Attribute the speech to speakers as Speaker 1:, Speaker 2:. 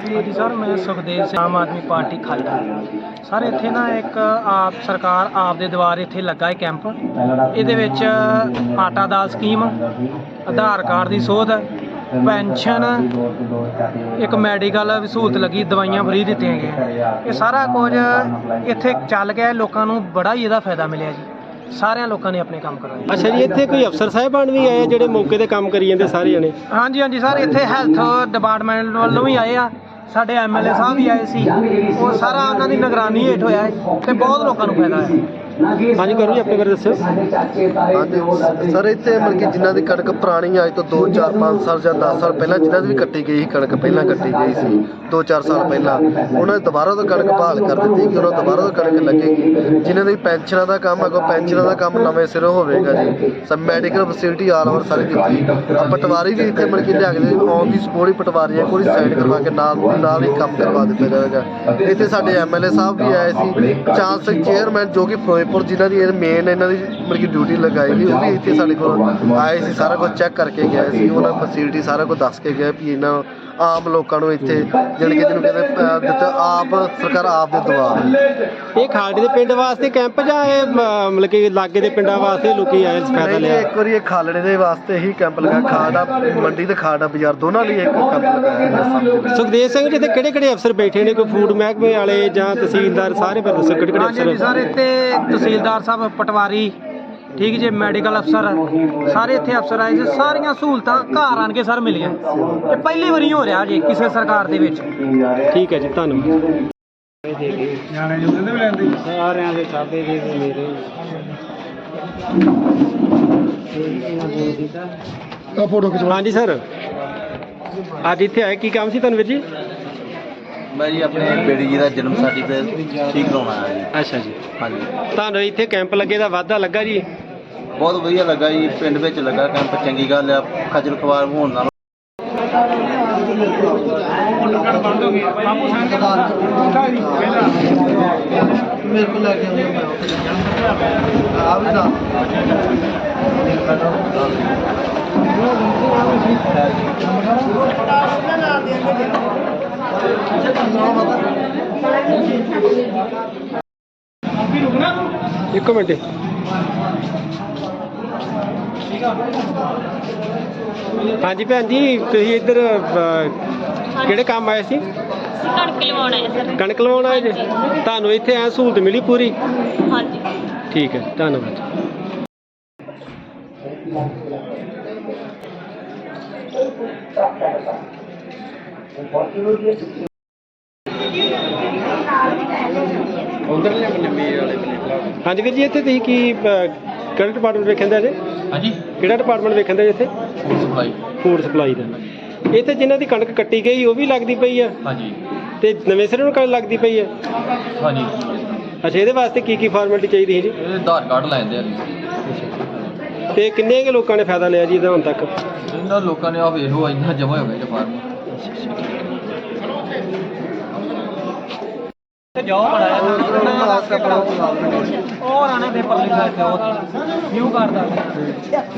Speaker 1: हाँ जी सर, मैं सुखदेव से आम आदमी पार्टी खालड़ा। सर इत्थे ना एक आप सरकार आप दे द्वार इत्थे लगा है कैंप। इहदे विच आटा दाल स्कीम, आधार कार्ड की सोध, पेंशन, एक मैडिकल सहूलत लगी, दवाइयां फ्री दित्तियां गईयां। ये सारा कुछ इत्थे चल गया, लोगों को बड़ा ही इहदा फायदा मिलिया जी। सारे लोगों ने अपने काम करवाए।
Speaker 2: अच्छा जी, इत्थे कोई अफसर साहिबान भी आए ਜਿਹੜੇ मौके ਤੇ ਕੰਮ ਕਰੀ ਜਾਂਦੇ ਸਾਰੇ ਜਣੇ?
Speaker 1: हाँ जी हाँ जी सर, इत्थे हैल्थ डिपार्टमेंट वालों भी आए आ, ਸਾਡੇ MLA ਸਾਹਿਬ ਵੀ ਆਏ ਸੀ। ਉਹ ਸਾਰਾ ਉਹਨਾਂ ਦੀ ਨਿਗਰਾਨੀ ਹੇਠ ਹੋਇਆ ਹੈ ਤੇ ਬਹੁਤ ਲੋਕਾਂ ਨੂੰ ਫਾਇਦਾ ਹੈ।
Speaker 2: ਹਾਂਜੀ ਕਰੋ ਜੀ, ਆਪਣੇ ਬਾਰੇ ਦੱਸੋ।
Speaker 3: ਹਾਂਜੀ ਸਰ, ਇੱਥੇ ਮਤਲਬ ਕਿ ਜਿਨ੍ਹਾਂ ਦੀ ਕਣਕ ਪੁਰਾਣੀ ਅੱਜ ਤੋਂ 2 4 5 ਸਾਲ ਜਾਂ 10 ਸਾਲ ਪਹਿਲਾਂ ਜਿਨ੍ਹਾਂ ਦੀ ਵੀ ਕੱਟੀ ਗਈ ਸੀ ਕਣਕ, ਪਹਿਲਾਂ ਕੱਟੀ ਗਈ ਸੀ 2 4 ਸਾਲ ਪਹਿਲਾਂ, ਉਹਨਾਂ ਨੇ ਦੁਬਾਰਾ ਤੋਂ ਕਣਕ ਬਹਾਲ ਕਰ ਦਿੱਤੀ ਕਿ ਉਹਨਾਂ ਦੁਬਾਰਾ ਤੋਂ ਕਣਕ ਲੱਗੇਗੀ। ਜਿਨ੍ਹਾਂ ਦੀ ਪੈਨਸ਼ਨਾਂ ਦਾ ਕੰਮ ਹੈਗਾ, ਪੈਨਸ਼ਨਾਂ ਦਾ ਕੰਮ ਨਵੇਂ ਸਿਰੋਂ ਹੋਵੇਗਾ ਜੀ। ਸਭ ਮੈਡੀਕਲ ਫੈਸਿਲਿਟੀ ਆਲ ਓਵਰ ਸਾਰੀ ਦਿੱਤੀ। ਪਟਵਾਰੀ ਵੀ ਇੱਥੇ ਮਤਲਬ ਕਿ ਲਿਆ ਕੇ ਔਨ ਦੀ ਸਪੋਰਟ ਹੀ ਪਟਵਾਰੀ ਕੋਈ ਸਾਈਨ ਕਰਵਾ ਕੇ ਨਾਲ ਹੀ ਕੰਮ ਕਰਵਾ ਦਿੱਤਾ ਜਾਵੇਗਾ। ਇੱਥੇ ਸਾਡੇ MLA ਸਾਹਿਬ ਵੀ ਆਏ ਸੀ, ਚਾਂਸਲਰ ਚੇਅਰਮੈਨ ਜੋ ਕਿ ਫਿਰੋਜ਼ਪੁਰ ਜਿਨ੍ਹਾਂ ਦੀ ਮੇਨ ਇਹਨਾਂ ਦੀ ਮਤਲਬ ਕਿ ਡਿਊਟੀ ਲਗਾਈ ਗਈ, ਉਹ ਵੀ ਇੱਥੇ ਸਾਡੇ ਕੋਲ ਆਏ ਸੀ, ਸਾਰਾ ਕੁਝ ਚੈੱਕ ਕਰਕੇ ਗਏ ਸੀ। ਉਹਨਾਂ ਫੈਸਿਲਿਟੀ ਸਾਰਾ ਕੁਝ ਦੱਸ ਕੇ ਗਏ ਵੀ ਇਹਨਾਂ ਆਮ ਲੋਕਾਂ ਨੂੰ ਇੱਥੇ ਜਾਣੀ ਕਿ ਜਿਹਨੂੰ ਕਹਿੰਦੇ ਦਿੱਤਾ ਆਪ ਸਰਕਾਰ ਆਪ ਦੇ ਦੁਆਰ।
Speaker 2: ਇਹ ਖਾਲੜੇ ਦੇ ਪਿੰਡ ਵਾਸਤੇ ਕੈਂਪ ਜਾਂ ਇਹ ਮਤਲਬ ਕਿ ਲਾਗੇ ਦੇ ਪਿੰਡਾਂ ਵਾਸਤੇ ਲੋਕੀ ਆਏ ਫਾਇਦਾ ਲਿਆ?
Speaker 3: ਇੱਕ ਵਾਰੀ ਇਹ ਖਾਲੜੇ ਦੇ ਵਾਸਤੇ ਹੀ ਕੈਂਪ ਲਗਾ, ਖਾਲੜਾ ਮੰਡੀ ਤੇ ਖਾਲੜਾ ਬਾਜ਼ਾਰ ਦੋਨਾਂ ਲਈ ਇੱਕ ਕੈਂਪ ਲਗਾਇਆ।
Speaker 2: ਸੁਖਦੇਵ ਸਿੰਘ ਜੀ, ਤੇ ਕਿਹੜੇ ਕਿਹੜੇ ਅਫਸਰ ਬੈਠੇ ਨੇ? ਕੋਈ ਫੂਡ ਮਹਿਕਮੇ ਵਾਲੇ ਜਾਂ ਤਹਿਸੀਲਦਾਰ, ਸਾਰੇ ਬਾਰੇ ਦੱਸੋ ਕਿਹੜੇ ਕਿਹੜੇ
Speaker 1: हाँ जी
Speaker 2: ਅਫਸਰ?
Speaker 1: सर, इत्थे तहसीलदार साहब, पटवारी, ठीक जी, मैडिकल अफसर, सारे इत्थे अफसर आए। सारियां सहूलतां घर आन के सर मिलियां। ये पहली वारी हो रहा जी किसी सरकार दे विच।
Speaker 2: ठीक है जी, धन्यवाद। हाँ जी सर, ਅੱਜ ਇੱਥੇ ਆਏ ਕੀ ਕੰਮ ਸੀ ਤੁਹਾਨੂੰ ਵੀਰ ਜੀ?
Speaker 4: ਮੈਂ ਜੀ ਆਪਣੇ ਬੇੜੀ ਜੀ ਦਾ ਜਨਮ ਸਰਟੀਫਿਕੇਟ ਠੀਕ ਕਰਾਉਣਾ ਆਇਆ ਜੀ।
Speaker 2: ਅੱਛਾ ਜੀ,
Speaker 4: ਹਾਂਜੀ,
Speaker 2: ਤੁਹਾਨੂੰ ਇੱਥੇ ਕੈਂਪ ਲੱਗੇ ਦਾ ਵਾਧਾ ਲੱਗਾ ਜੀ?
Speaker 4: ਬਹੁਤ ਵਧੀਆ ਲੱਗਾ ਜੀ, ਪਿੰਡ ਵਿੱਚ ਲੱਗਾ ਕੈਂਪ, ਚੰਗੀ ਗੱਲ ਆ। ਖੱਜਲ ਖਵਾਰ ਹੋਣ ਨਾਲ
Speaker 3: ਮੇਰੇ ਕੋਲ ਲੈ ਕੇ ਆ ਵੀ ਨਾ
Speaker 2: ਇੱਕ ਮਿੰਟ। ਹਾਂਜੀ ਭੈਣ ਜੀ, ਤੁਸੀਂ ਇੱਧਰ ਕਿਹੜੇ ਕੰਮ ਆਏ ਸੀ?
Speaker 5: ਕਣਕ ਲਵਾਉਣ ਆਏ ਸਰ।
Speaker 2: ਕਣਕ ਲਵਾਉਣ ਆਏ ਜੀ? ਤੁਹਾਨੂੰ ਇੱਥੇ ਐ ਸਹੂਲਤ ਮਿਲੀ ਪੂਰੀ?
Speaker 5: ਹਾਂਜੀ।
Speaker 2: ਠੀਕ ਹੈ, ਧੰਨਵਾਦ। ਹਾਂਜੀ ਵੀਰ ਜੀ, ਇੱਥੇ ਤੁਸੀਂ ਕੀ ਕਿਹੜਾ ਡਿਪਾਰਟਮੈਂਟ ਵੇਖਣ ਦਾ ਜੀ?
Speaker 4: ਹਾਂਜੀ,
Speaker 2: ਕਿਹੜਾ ਡਿਪਾਰਟਮੈਂਟ ਵੇਖਣ ਦਾ ਜੀ ਇੱਥੇ?
Speaker 4: Food supply.
Speaker 2: ਫੂਡ ਸਪਲਾਈ ਦਾ। ਇੱਥੇ ਜਿਨ੍ਹਾਂ ਦੀ ਕਣਕ ਕੱਟੀ ਗਈ ਉਹ ਵੀ ਲੱਗਦੀ ਪਈ ਆ
Speaker 4: ਹਾਂਜੀ
Speaker 2: ਤੇ ਨਵੇਂ ਸਿਰੇ ਨੂੰ ਕਣਕ ਲੱਗਦੀ ਪਈ ਆ?
Speaker 4: ਹਾਂਜੀ,
Speaker 2: ਅੱਛਾ, ਇਹਦੇ ਵਾਸਤੇ ਕੀ ਕੀ ਫਾਰਮੈਲਿਟੀ ਚਾਹੀਦੀ ਹੈ ਜੀ?
Speaker 4: ਇਹ ਆਧਾਰ ਕਾਰਡ ਲੈ ਜਾਂਦੇ ਆ।
Speaker 2: ਤੇ ਕਿੰਨੇ ਕੁ ਲੋਕਾਂ ਨੇ ਫਾਇਦਾ ਲਿਆ ਜੀ ਇਹਦਾ ਹੁਣ ਤੱਕ?
Speaker 4: ਇਹਨਾਂ ਲੋਕਾਂ ਨੇ ਆ ਵੇਖ ਲਓ, ਇੰਨਾ ਜਮ੍ਹਾਂ ਹੋ ਗਏ ਜੀ ਫਾਰਮ।
Speaker 1: जाओ और आने दे पब्लिक व्यू कर